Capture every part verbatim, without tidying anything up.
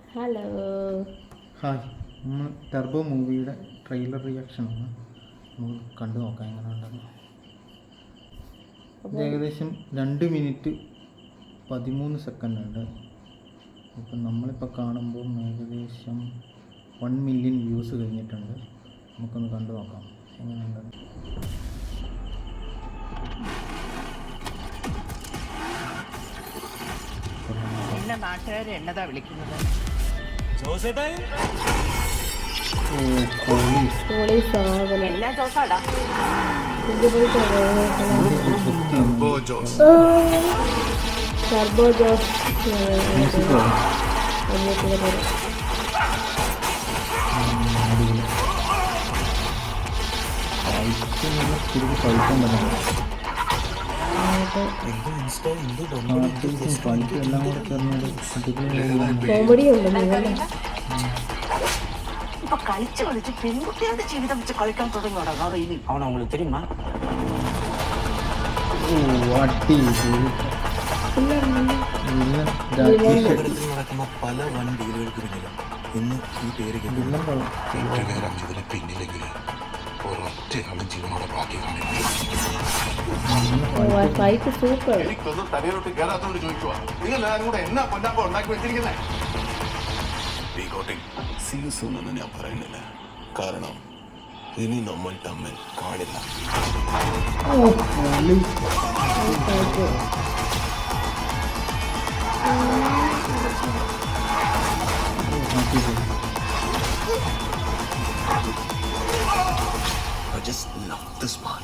Hello hi. നമ്മൾ Turbo മൂവിയുടെ trailer റിയാക്ഷനാണ് നമ്മൾ കണ്ടു നോക്കാം എങ്ങനെ ഉണ്ടെന്ന്. ഇത് ഏകദേശം രണ്ട് മിനിറ്റ് പതിമൂന്ന് സെക്കൻഡ് ഉണ്ട്. ഇപ്പം നമ്മളിപ്പോൾ കാണുമ്പോൾ ഏകദേശം വൺ മില്യൺ വ്യൂസ് കഴിഞ്ഞിട്ടുണ്ട്. നമുക്കൊന്ന് കണ്ടു നോക്കാം എങ്ങനെയുണ്ടെന്ന്. എന്നെ നാട്ടുകാർ എന്നതാ വിളിക്കുന്നത്? എന്നാ ജോസാടാ? ടർബോ ജോസ് കോമഡി ഉണ്ട്. இப்ப கழிச்சு கழிச்சு பெண்குட்டியாவது ജീവിതம் வச்சு கழிக்காம தொடங்கியோட அதாவது இது அவனை உங்களுக்கு தெரியுமா? നടക്കുന്ന പല വൻ ഡീലുകൾക്ക് പിന്നിലും ഇന്ന് ഈ പേര് കേട്ടതിന് പിന്നിലെങ്കിൽ ഒരൊറ്റയാളും ജീവനോടെ ബാക്കി സൂപ്പർ തലയിലോട്ട് കയറാത്തോണ്ട് ചോദിക്കുക നിങ്ങൾ കൂടെ എന്നാ പൊന്നാപ്പ ഉണ്ടാക്കി വെച്ചിരിക്കുന്നേ? എന്ന് ഞാൻ പറയുന്നില്ല, കാരണം ഇനി നമ്മൾ തമ്മിൽ കാണില്ല. I just love this part.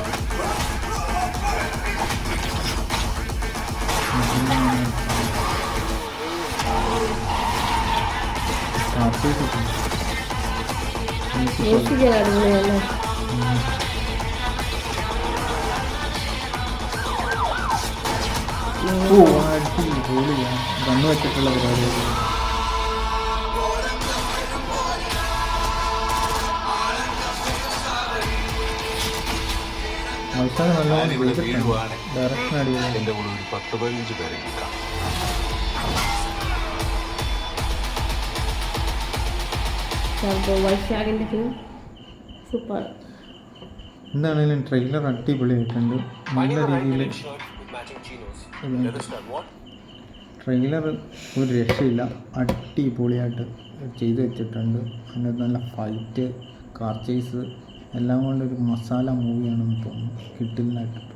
അടിപൊളിയല്ലേ? കണ്ണു വെച്ചിട്ടുള്ള പരിപാടി. അവസാനം നല്ലോണം ഡയറക്ഷൻ അടിപൊളി. എന്റെ കൂടെ ഒരു പത്ത് പതിനഞ്ച് പേരെ കിട്ടാം. വൈശാഖിൻ്റെ ഫിലിം സൂപ്പർ. എന്താണെങ്കിലും ട്രെയിലർ അടിപൊളിയായിട്ടുണ്ട്. നല്ല രീതിയിൽ ട്രെയിലർ ഒരു രക്ഷയില്ല, അടിപൊളിയായിട്ട് ചെയ്തു വെച്ചിട്ടുണ്ട്. അതിനകത്ത് നല്ല ഫൈറ്റ്, കാർ ചേസ് എല്ലാം കൊണ്ടൊരു മസാല മൂവിയാണെന്ന് തോന്നുന്നു. കിട്ടില്ലായിട്ട്